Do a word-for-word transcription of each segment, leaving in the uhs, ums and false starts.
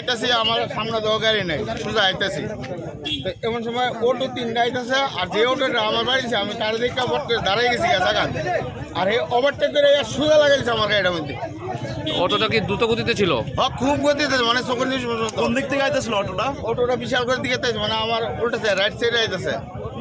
আইতাছি আমার সামনে দেওয়া গাড়ি নেই, সোজা আইতাছি। তো এমন সময় অটো তিনটা আইতাছে, আর যে অটোটা আমার বাড়িছে আমি তার দিকে বট করে দাঁড়াই গেছি জায়গা, আর এই ওভারটেক করে সোজা লাগাইছে আমার গাড়িটার মধ্যে। অটোটা কি দ্রুত গতিতে ছিল? হ্যাঁ, খুব গতিতে, মানে চোখের নিচ পর্যন্ত। কোন দিক থেকে আইতেছিল অটোটা? অটোটা বিশাল করে দিকে তাইছে, মানে আমার উল্টেছে, রাইট সাইডে আইতেছে।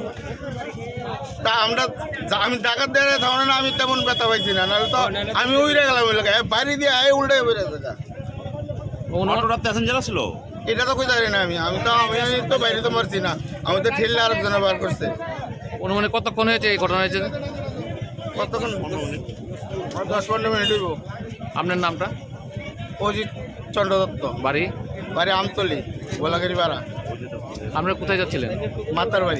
তা আমরা যা- আমি ডাকাত দেয় তখন না আমি তেমন ব্যথা পাইছি না, নাহলে তো আমি উইরে গেলাম ওই লোক বাড়ি দিয়ে আয় উল্টে বেড়ে থাকা। অটোটা প্যাসেঞ্জার ছিল? এটা তো কই জানি না, আমি আমি তো আমি আমি তো বাইরে তো মারছি না, আমি তো ঠেললে আরেকজনে বার করছে। অনুমানে কতক্ষণ হয়েছে এই ঘটনা হয়েছে? কতক্ষণ? দশ পনেরো মিনিট হইব। আপনার নামটা? অজিত চন্দ্র দত্ত, বাড়ি? বাড়ি আমতলি, গোলাগাড়ি পাড়া। আপনারা কোথায় যাচ্ছিলেন? মাতার বাড়ি।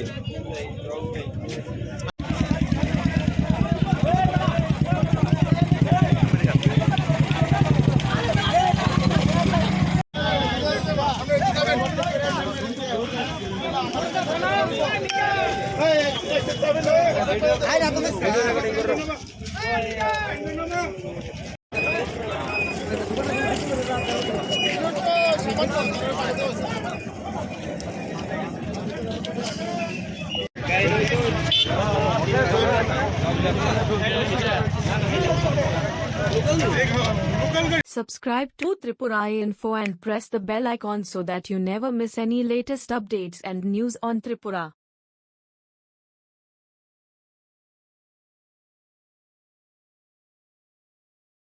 Subscribe to Tripura Info and press the bell icon so that you never miss any latest updates and news on Tripura.